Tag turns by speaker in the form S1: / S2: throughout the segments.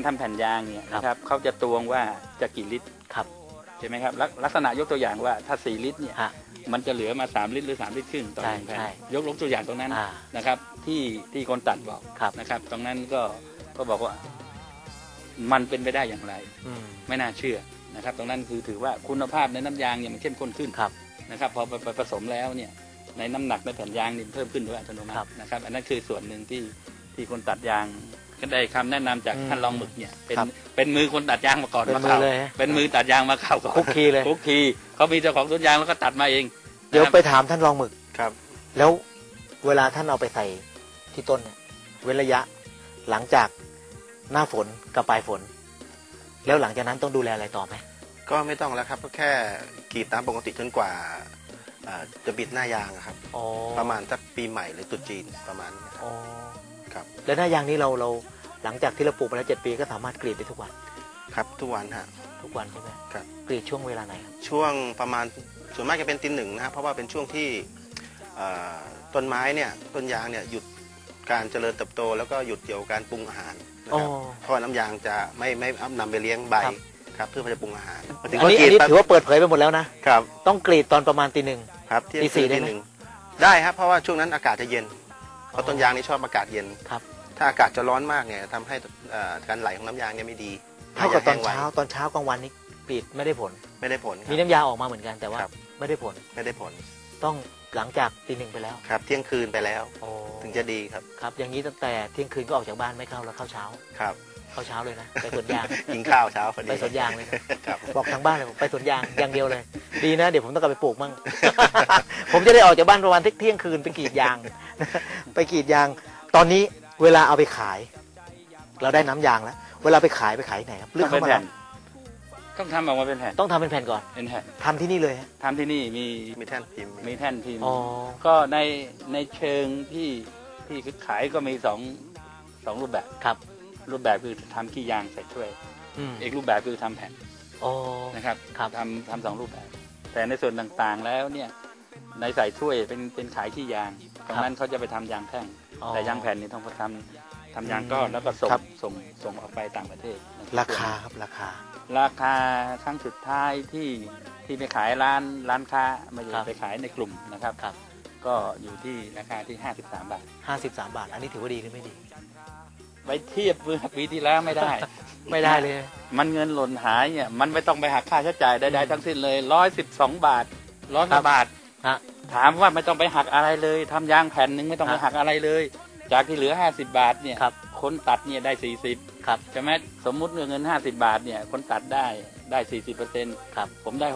S1: ทำแผ่นยางเนี่ยนะครับเขาจะตวงว่าจะกี่ลิตร
S2: ครับ
S1: ใช่ไหมครับลักษณะยกตัวอย่างว่าถ้า4 ลิตรเนี่ยมันจะเหลือมา3 ลิตรหรือ3 ลิตรครึ่งต่อ1 แผ่นยกตัวอย่างตรงนั้นนะครับที่คนตัดบอกนะครับตรงนั้นก็บอกว่ามันเป็นไปได้อย่างไรไม่น่าเชื่อนะครับตรงนั้นคือถือว่าคุณภาพในน้ำยางเนี่ยมันเข้มข้นขึ้นนะครับพอไปผสมแล้วเนี่ยในน้ำหนักในแผ่นยางนี่เพิ่มขึ้นโดยอัตโนมัตินะครับอันนั้นคือส่วนหนึ่งที่คนตัดยางก็ได้คำแนะนำจากท่านรองหมึกเนี่ยเป็นมือคนตัดยางมาก่อนมาเข้าเป็นมือตัดยางมาเข้าก่อน
S2: คุกคีเลย
S1: คุกคีเขามีเจ้าของสวนยางแล้วก็ตัดมาเอง
S2: เดี๋ยวไปถามท่านรองหมึก
S3: ครับ
S2: แล้วเวลาท่านเอาไปใส่ที่ต้นเนี่ยเว้นระยะหลังจากหน้าฝนกับปลายฝนแล้วหลังจากนั้นต้องดูแลอะไรต่อไหม
S3: ก็ไม่ต้องแล้วครับก็แค่กรีดตามปกติจนกว่าจะบิดหน้ายางครับประมาณสักปีใหม่หรือตรุษจีนประมาณนี้ครับ
S2: แล้วหน้ายางนี้เราหลังจากที่เราปลูกมาแล้ว7 ปีก็สามารถกรีดได้ทุกวัน
S3: ครับทุกวันฮะ
S2: ทุกวันใช่ไหม
S3: ครับ
S2: กรีดช่วงเวลาไหน
S3: ช่วงประมาณส่วนมากจะเป็นตี 1นะครับเพราะว่าเป็นช่วงที่ต้นไม้เนี่ยต้นยางเนี่ยหยุดการเจริญเติบโตแล้วก็หยุดเกี่ยวกับการปรุงอาหารนะครับเพราะน้ำยางจะไม่นำไปเลี้ยงใบครับเพื่อจะปรุงอาหาร
S2: อันนี้ถือว่าเปิดเผยไปหมดแล้วนะครับต้องกรีดตอนประมาณตี 1
S3: ครับตี 4ได้ไหมได้ครับเพราะว่าช่วงนั้นอากาศจะเย็นเพราะต้นยางนี่ชอบอากาศเย็น
S2: ครับ
S3: ถ้าอากาศจะร้อนมากเนี่ยทำให้การไหลของน้ำยางเนี่ยไม่ดี
S2: เท่ากับตอนเช้ากลางวันนี้กรีดไม่ได้ผลมีน้ำยาออกมาเหมือนกันแต่ว่าไม่ได้ผลต้องหลังจากตี 1ไปแล้ว
S3: ครับเที่ยงคืนไปแล้วถึงจะดีครับ
S2: ครับอย่างนี้ตั้งแต่เที่ยงคืนก็ออกจากบ้านไม่เข้าแล้วเข้าเช้า
S3: ครับ
S2: เข้าเช้าเลยนะไปสวนยาง
S3: กินข้าวเช้าพอดี
S2: ไปสวนยางเลยบอกทางบ้านเลยไปสวนยางอย่างเดียวเลยดีนะเดี๋ยวผมต้องกลับไปปลูกมั่งผมจะได้ออกจากบ้านประมาณเที่ยงคืนไปกรีดยางตอนนี้เวลาเอาไปขายเราได้น้ำยางแล้วเวลาไปขายไหนครับ
S1: เลือกเข้ามาต้องทำออกมาเป็นแผ่น
S2: ต้องทำเป็นแผ่นก่อน
S1: เป็นแผ่น
S2: ทำที่นี่เลย
S1: ทำที่นี่
S3: มีแท่นพิมพ์
S1: ก็ในเชิงที่ขายก็มีสองรูปแบบ
S2: ครับ
S1: รูปแบบคือทำขี้ยางใส่ถ้วยอีกรูปแบบคือทำแผ่นนะครับทำ2 รูปแบบแต่ในส่วนต่างๆแล้วเนี่ยในใส่ถ้วยเป็นขายขี้ยางตรงนั้นเขาจะไปทำยางแท่งแต่ยางแผ่นนี่ต้องทำยางก้อนแล้วก็ส่งออกไปต่างประเทศ
S2: ราคาครับราคา
S1: ครั้งสุดท้ายที่ไปขายร้านค้าไม่ได้ไปขายในกลุ่มนะครับก็อยู่ที่ราคาที่53 บาท
S2: 53 บาทอันนี้ถือว่าดีหรือไม่ดี
S1: ไปเทียบเมื่อปีที่แล้วไม่ได้
S2: เลย
S1: มันเงินหล่นหายเนี่ยมันไม่ต้องไปหักค่าใช้จ่ายใดๆทั้งสิ้นเลย112 บาท100 บาทถามว่าไม่ต้องไปหักอะไรเลยทำยางแผ่นนึงไม่ต้องไปหักอะไรเลยจากที่เหลือ50 บาทเนี่ยคนตัดเนี่ยได้40ใช่ไหมสมมุติเงิน50 บาทเนี่ยคนตัดได้ 40% ผมได้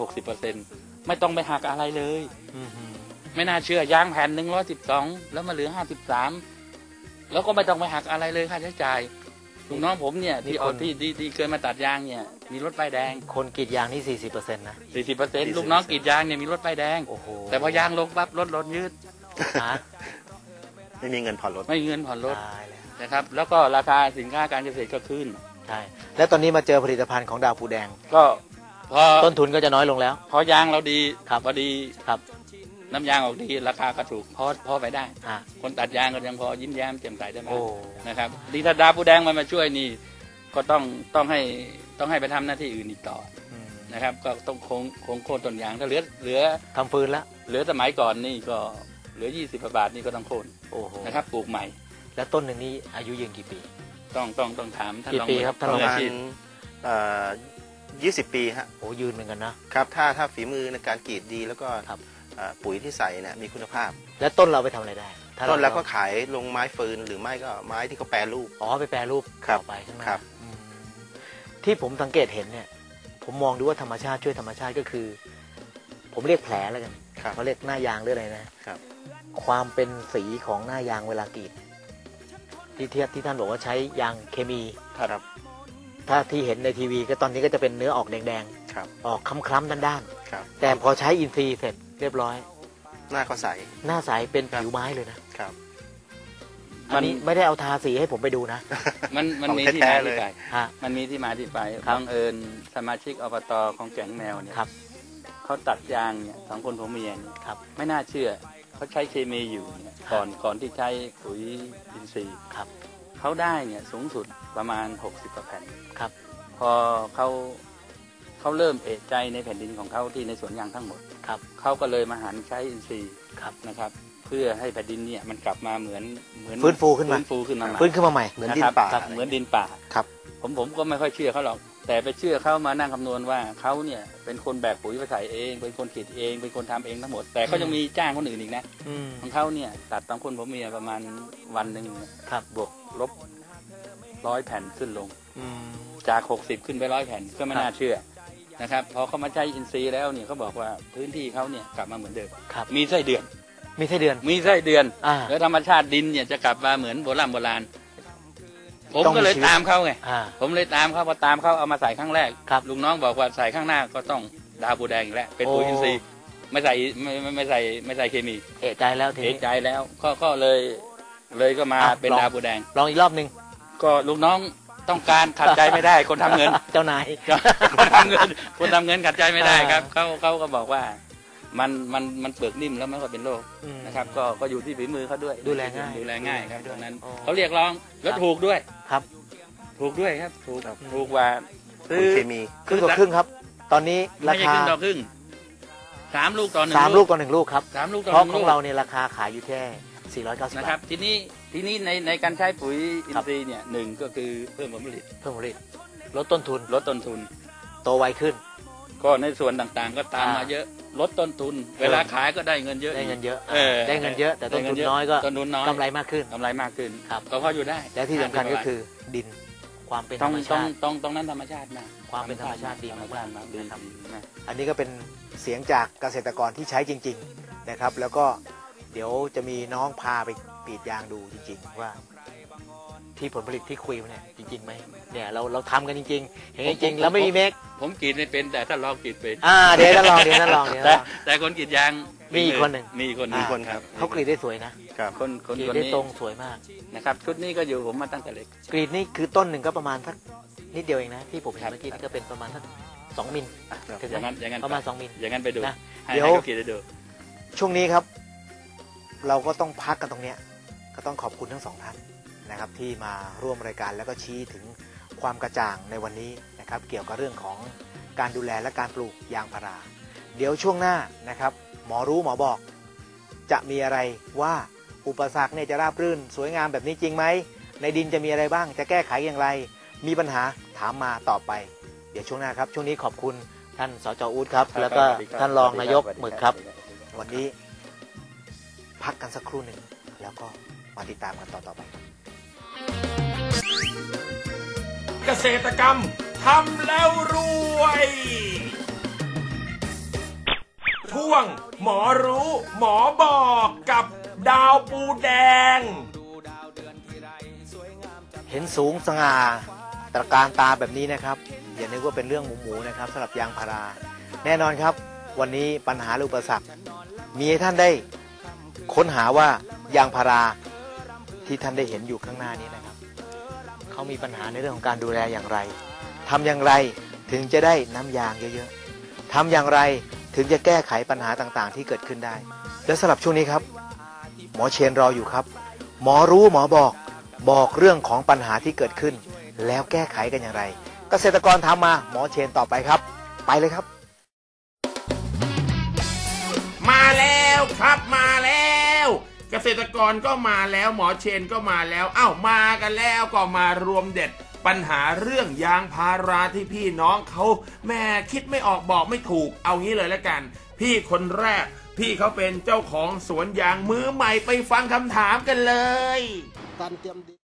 S1: 60%ไม่ต้องไปหักอะไรเลยไม่น่าเชื่อยางแผ่น112แล้วมาเหลือ53แล้วก็ไม่ต้องไปหักอะไรเลยค่าใช้จ่ายลูกน้องผมเนี่ยที่เคยมาตัดยางเนี่ยมีรถป้ายแดง
S2: คนกรีดยางนี่ 40%นะ
S1: 40%ลูกน้องกรีดยางเนี่ยมีรถป้ายแดงแต่พอยางลงปั๊บรถยืด
S3: ไม่มีเงินผ่อนรถ
S1: นะครับแล้วก็ราคาสินค้าการเกษตรก็ขึ้น
S2: ใช่แล้วตอนนี้มาเจอผลิตภัณฑ์ของดาวภูแดง
S1: ก็พอ
S2: ต้นทุนก็จะน้อยลงแล้ว
S1: พอยางเราดีพอดีน้ำยางออกดีราคาก็ถูกพอไปได้คนตัดยางก็ยังพอยิ้มแย้มแจ่มใสได้บ้างนะครับดีถ้าดาวภูแดงมาช่วยนี่ก็ต้องให้ไปทำหน้าที่อื่นอีกต่อนะครับก็ต้องคงโค่นต้นยางถ้าเหลือ
S2: ทำฟืนแล้ว
S1: เหลือสมัยก่อนนี่ก็เหลือ20 บาทนี่ก็ต้องโค่นนะครับปลูกใหม่
S2: แล้วต้นหนึ่งนี้อายุยืนกี่ปี
S1: ต้องถามท่าน
S2: รองครับท่านรอง
S3: 20 ปีฮะ
S2: โอ้ยืนเหมือนกัน
S3: นะครับถ้าฝีมือในการกรีดดีแล้วก็ปุ๋ยที่ใส่เนี่ยมีคุณภาพ
S2: แล้วต้นเราไปทำอะไรได้
S3: ต้นแล้วก็ขายลงไม้ฟืนหรือไม่ก็ไม้ที่เขาแปรรูป
S2: ไปแปรรูปต่อไปข้างหน้าที่ผมสังเกตเห็นเนี่ยผมมองดูว่าธรรมชาติช่วยธรรมชาติก็คือผมเรียกแผลแล้วกันเขาเรียกหน้ายางหรืออะไรนะครับความเป็นสีของหน้ายางเวลากรีดที่ท่านบอกว่าใช้ยางเคมี
S3: ครับ
S2: ถ้าที่เห็นในทีวีก็ตอนนี้ก็จะเป็นเนื้อออกแดงๆออกคล้ำๆด้านๆแต่พอใช้อินทรีย์เสร็จเรียบร้อย
S3: หน้าก็ใส
S2: หน้าใสเป็นผิวไม้เลยนะครับอันนี้ไม่ได้เอาทาสีให้ผมไปดูนะ
S1: มันมีที่มาที่ไปมันมีที่มาที่ไปบังเอิญสมาชิกอบต.ของแก่งแมวเนี่ยเขาตัดยางเนี่ย2 คนผัวเมียเนี่ยไม่น่าเชื่อเขาใช้เคมีอยู่เนี่ยก่อนที่ใช้ปุ๋ยอินทรีย์เขาได้เนี่ยสูงสุดประมาณ60 กว่าแผ่น
S2: ครับ
S1: พอเขาเริ่มเอะใจในแผ่นดินของเขาที่ในสวนยางทั้งหมด
S2: ครับ
S1: เขาก็เลยมาหันใช้อินทรีย์
S2: ครับ
S1: นะครับ เพื่อให้แผ่นดินเนี่ยมันกลับมาเหมือน
S2: ฟื้นฟูขึ้นมา
S1: ฟื้นฟูขึ้นมาใหม่
S2: ฟื้นขึ้นมาใหม่
S3: เหมือนดินป่า
S1: ครับเหมือนดินป่า
S2: ครับ
S1: ผมก็ไม่ค่อยเชื่อเขาหรอก แต่ไปเชื่อเขามานั่งคำนวณว่าเขาเนี่ยเป็นคนแบกปุ๋ยไปใส่เองเป็นคนขีดเองเป็นคนทำเองทั้งหมด แต่เขายังมีจ้างคนอื่นอีกนะ
S2: อืม
S1: ของเขาเนี่ยตัดตามคนผมเมียประมาณวันหนึ่ง
S2: ครับ
S1: บวกลบ100 แผ่นขึ้นลง
S2: อืม
S1: จาก60ขึ้นไป100 แผ่นก็ไม่น่าเชื่อนะครับพอเขามาใช้อินทรีย์แล้วเนี่ยเขาบอกว่าพื้นที่เขาเนี่ยกลับมาเหมือนเดิม
S2: ครับ
S1: มีไส้เดือน
S2: มีไส้เดือน
S1: มีไส้เดือน
S2: อ่า
S1: แล้วธรรมชาติดินเนี่ยจะกลับมาเหมือนโบราณผม
S2: ต้องมี
S1: ก็เลย
S2: ชีวิต
S1: ตามเขาไง
S2: อ่า
S1: ผมเลยตามเขาพอตามเขาเอามาใส่ครั้งแรก
S2: ครับ
S1: ลุงน้องบอกว่าใส่ข้างหน้าก็ต้องดาวปูแดงอีกแล้วเป็นปุ๋ย
S2: โอ้
S1: อินทรีย์ไม่ใส่ไม่ใส่เคมี
S2: เอะใจแล้วที
S1: เอะ
S2: นี้
S1: ใจแล้วก็เลยก็มา
S2: อ่ะ
S1: เป็น
S2: ลอง
S1: ดาวปูแดง
S2: ลองอีกรอบหนึ่ง
S1: ก็ลุงน้องต้องการขัดใจไม่ได้คนทำเงิน
S2: เจ้านาย
S1: คนทำเงินขัดใจไม่ได้ครับ
S2: อ่า
S1: เขาก็บอกว่ามันเปลือกนิ่มแล้วไม่ค่อยเป็นโรค
S2: อืม
S1: นะครับก็อยู่ที่ฝีมือเขาด้วย
S2: ดูแลง่าย
S1: ดูแลง่ายครับตรงนั้น
S2: อ๋อ
S1: เขาเรียกร้องแล้ว
S2: ครับ
S1: ถูกด้วย
S2: ครับ
S1: ถูกด้วยครับถูก
S3: ครับ
S1: ถูกกว่า
S3: ปุ๋ยเคมี
S2: ครึ่งต่อครึ่งครับ ตอนนี้
S1: ไม่
S2: รา
S1: ใช่
S2: คา
S1: ครึ่งต่อครึ่ง3 ลูกต่อ1
S2: 3 ลูกต่อ1 ลูกครับ
S1: 3 ลูกต่อ
S2: เพราะ
S1: 1
S2: ข
S1: ลู
S2: อง
S1: ก
S2: เราเนี่ยราคาขายอยู่แค่490
S1: นะ
S2: บา
S1: ครั
S2: ท
S1: บทีนี้ในการใช้ปุ๋ยอินทรีย์เนี่ยหนึ่งก็คือเพิ่มผลผลิต
S2: เพิ่มผลผลิตลดต้นทุน
S1: ลดต้นทุน
S2: โตไวขึ้น
S1: ก็ในส่วนต่างๆ ก็ตามมาเยอะลดต้นทุน เวลาขายก็ได้เงินเยอะ
S2: ได้เงินเยอะ
S1: เออ
S2: ได้เงินเยอะ แต่ต้นทุนน้อยก็
S1: ต้นทุนน้อย
S2: กำไรมากขึ้น
S1: กำไรมากขึ้น
S2: ครับ
S1: ก็พออยู่ได้
S2: และที่สำคัญก็คือดินความเป็นธ
S1: ต้
S2: ร
S1: อง
S2: รม
S1: ต้อ
S2: ชาง ติ
S1: ต้องนั้นธรรมชาติมาก
S2: ความเป็นธรรมชาติดี
S1: ธรรม
S2: มาก
S1: ชาติมากดี
S2: นะครับ
S1: มาก
S2: อันนี้ก็เป็นเสียงจากเกษตรกรที่ใช้จริง ๆนะครับ แล้วก็เดี๋ยวจะมีน้องพาไปกรีดยางดูจริง ๆ ว่าที่ผลผลิตที่คุยมาเนี่ยจริงๆไหมเนี่ยเราทำกันจริงๆเห็นจริงๆแล้วไม่มีเมค
S1: ผมกรีดไม่เป็นแต่ถ้าลองกรีดเป็น
S2: เดี๋ยวท่านลองเดี๋ยวท่านลองเดี๋ยวท่านลอง
S1: แต่คนกรีดยาง
S2: มีอีกคนหนึ่ง
S1: มีอีกคนหนึ่ง
S3: คนครับ
S2: เขากรีดได้สวยนะครับ
S1: คนคน
S2: กรีด
S1: คน
S2: ได้
S1: นี้
S2: ตรงสวยมาก
S1: นะครับชุดนี้ก็อยู่ผมมาตั้งแต่เล็ก
S2: กรีดนี่คือต้นหนึ่งก็ประมาณสักนิดเดียวเองนะที่ผมเห็นเมื่อกี้นี่ก็เป็นประมาณสัก2 มิลถึง
S1: อย่าง
S2: ไหม
S1: นั้นอย่างนั้น
S2: ประมาณ2 มิล
S1: อย่างนั้นไปดู
S2: นะ
S1: ให้
S2: เดี๋ยว
S1: ให้เขากรีดให้ดู
S2: ช่วงนี้ครับ เราก็ต้องพักกันตรงเนี้ยก็ต้องขอบคุณทั้งสองท่านนะครับที่มาร่วมรายการแล้วก็ชี้ถึงความกระจ่างในวันนี้นะครับเกี่ยวกับเรื่องของการดูแลและการปลูกยางพาราเดี๋ยวช่วงหน้านะครับหมอรู้หมอบอกจะมีอะไรว่าอุปสรรคเนี่ยจะราบรื่นสวยงามแบบนี้จริงไหมในดินจะมีอะไรบ้างจะแก้ไขอย่างไรมีปัญหาถามมาตอบไปเดี๋ยวช่วงหน้าครับช่วงนี้ขอบคุณท่านสจ.อู๊ดครับแล้วก็ท่านรองนายกหมึกครับวันนี้พักกันสักครู่หนึ่งแล้วก็มาติดตามกันต่อไป
S4: เกษตรกรรมทำแล้วรวย ช่วงหมอรู้หมอบอกกับดาวปูแดง
S2: เห็นสูงสง่าตระการตาแบบนี้นะครับอย่านึกว่าเป็นเรื่องหมูๆนะครับสำหรับยางพาราแน่นอนครับวันนี้ปัญหาและอุปสรรคมีให้ท่านได้ค้นหาว่ายางพาราที่ท่านได้เห็นอยู่ข้างหน้านี้นะครับเขามีปัญหาในเรื่องของการดูแลอย่างไรทำอย่างไรถึงจะได้น้ำยางเยอะๆทำอย่างไรถึงจะแก้ไขปัญหาต่างๆที่เกิดขึ้นได้และสำหรับช่วงนี้ครับหมอเชนรออยู่ครับหมอรู้หมอบอกเรื่องของปัญหาที่เกิดขึ้นแล้วแก้ไขกันอย่างไรเกษตรกรถามมาหมอเชนต่อไปครับไปเลยครับ
S4: มาแล้วครับมาแล้ว เกษตรกรก็มาแล้วหมอเชนก็มาแล้วมากันแล้วก็มารวมเด็ดปัญหาเรื่องยางพาราที่พี่น้องเขาแม่คิดไม่ออกบอกไม่ถูกเอางี้เลยละกันพี่คนแรกพี่เขาเป็นเจ้าของสวนยางมือใหม่ไปฟังคำถามกันเลย
S5: การเตรียมดิน